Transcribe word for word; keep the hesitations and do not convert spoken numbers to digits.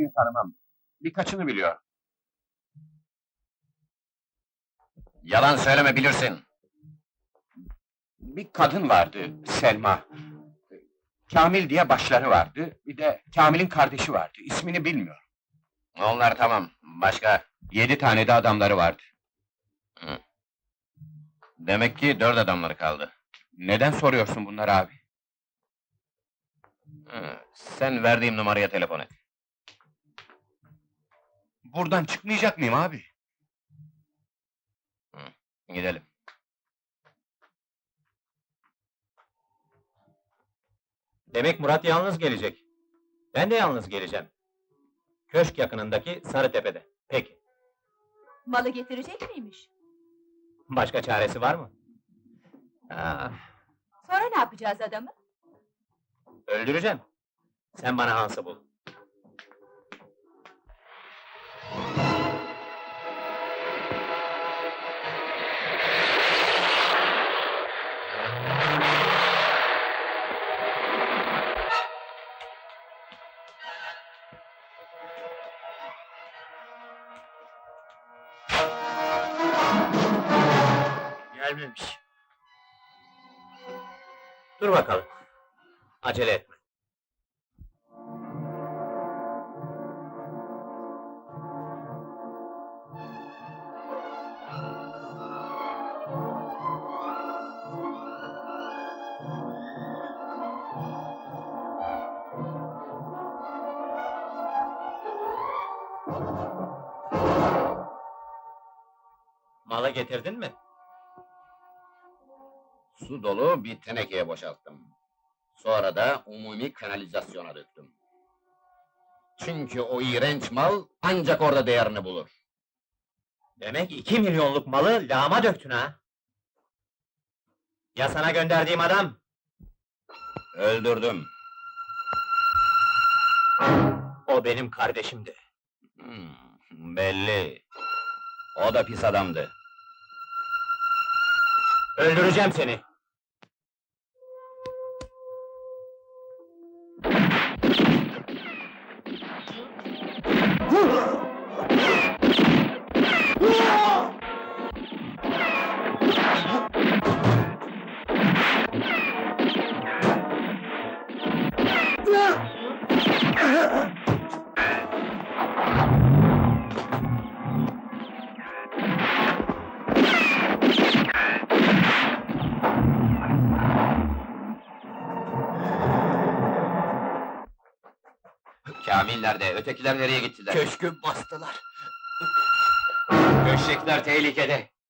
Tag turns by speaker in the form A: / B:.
A: hepsini tanımam. Birkaçını biliyorum.
B: Yalan söyleme, bilirsin.
A: Bir kadın vardı, Selma. Kamil diye başları vardı, bir de Kamil'in kardeşi vardı, ismini bilmiyorum.
B: Onlar tamam, başka?
A: Yedi tane de adamları vardı.
B: Demek ki dört adamları kaldı.
A: Neden soruyorsun bunları abi?
B: Hı, sen verdiğim numaraya telefon et.
A: Buradan çıkmayacak mıyım abi?
B: Gidelim.
C: Demek Murat yalnız gelecek. Ben de yalnız geleceğim. Köşk yakınındaki Sarıtepe'de. Peki.
D: Malı getirecek miymiş?
C: Başka çaresi var mı? Ah,
D: Sonra ne yapacağız adamı?
C: öldüreceğim. Sen bana Hans'ı bul. Gelmemiş. Dur bakalım. Acele etme. Malı getirdin mi?
B: Su dolu bir tenekeye boşalttım. Sonra da umumi kanalizasyona döktüm. Çünkü o iğrenç mal ancak orada değerini bulur.
C: Demek iki milyonluk malı lağma döktün ha? Ya sana gönderdiğim adam?
B: Öldürdüm.
C: O benim kardeşimdi.
B: Hmm, belli. O da pis adamdı.
C: Öldüreceğim seni.
B: Kamil nerede? Ötekiler nereye gittiler?
C: Köşkü bastılar.
B: Köşekler tehlikede.